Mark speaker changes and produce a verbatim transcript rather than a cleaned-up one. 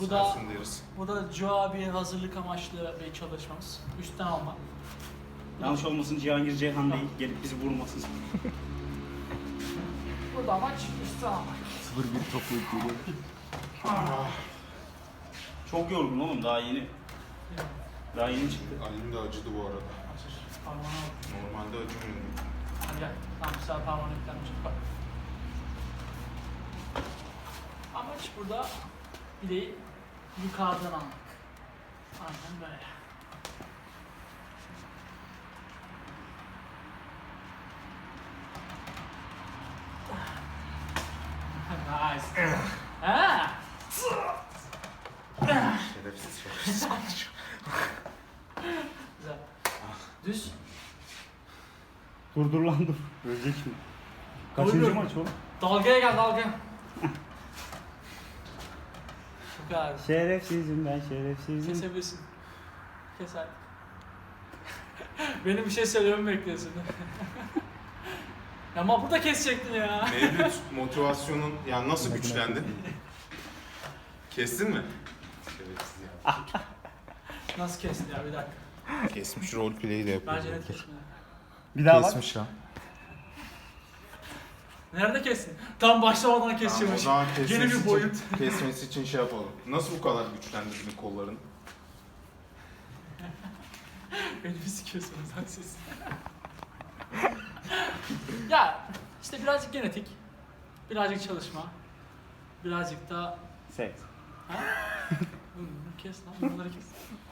Speaker 1: Bu da,
Speaker 2: Sensin deriz.
Speaker 1: bu da Joe abiye hazırlık amaçlı bir çalışmamız. Üstten alma.
Speaker 3: Yanlış olmasın, Cihangir Ceyhan değil, gelip bizi vurmasın.
Speaker 1: Burada amaç üstten almak.
Speaker 4: sıfır bir toplayıp geliyor.
Speaker 3: Çok yorgun oğlum, daha yeni. Daha yeni çıktı.
Speaker 2: Elim de acıdı bu arada.
Speaker 1: Açır. Parmağını al.
Speaker 2: Normalde acımıyordu.
Speaker 1: Hadi gel. Tamam, bir sefer parmağını yüklenmiş. Bak. Amaç burada bileği yukarıdan almak. Aynen böyle. Nice. Ha.
Speaker 2: Şerefsiz şerefsiz.
Speaker 1: Güzel. Düz.
Speaker 3: Dur dur lan dur. Ölecek şimdi. Kaçıncı
Speaker 1: Dur.
Speaker 3: maç oğlum?
Speaker 1: Dalgaya gel, dalga. Bu kadar.
Speaker 3: Şerefsizim ben, şerefsizim.
Speaker 1: Kesebilirsin. Kes artık. Benim bir şey söylememi bekliyorsun. Ya ama burada kesecektin ya.
Speaker 2: Mevlüt motivasyonun yani nasıl güçlendi? Kestin mi? Şerefsiz ya.
Speaker 1: Nasıl kestin ya, bir dakika.
Speaker 2: Kesmiş roleplay'i de yapıyor.
Speaker 1: Bence net kesmedi.
Speaker 3: Bir daha bak.
Speaker 4: Kesmiş lan.
Speaker 1: Nerede kestin? Tam başlamadan
Speaker 2: Tamam, o
Speaker 1: kesiyormuş.
Speaker 2: zaman
Speaker 1: Yeni
Speaker 2: kesmesi
Speaker 1: bir
Speaker 2: için,
Speaker 1: boyut.
Speaker 2: kesmesi için şey yapalım. Nasıl bu kadar güçlendirdin kollarını?
Speaker 1: Beni bir sikiyorsunuz lan siz. Ya işte birazcık genetik, birazcık çalışma, birazcık da...
Speaker 3: Seks.
Speaker 1: Ha? Hı, kes lan, bunları kes.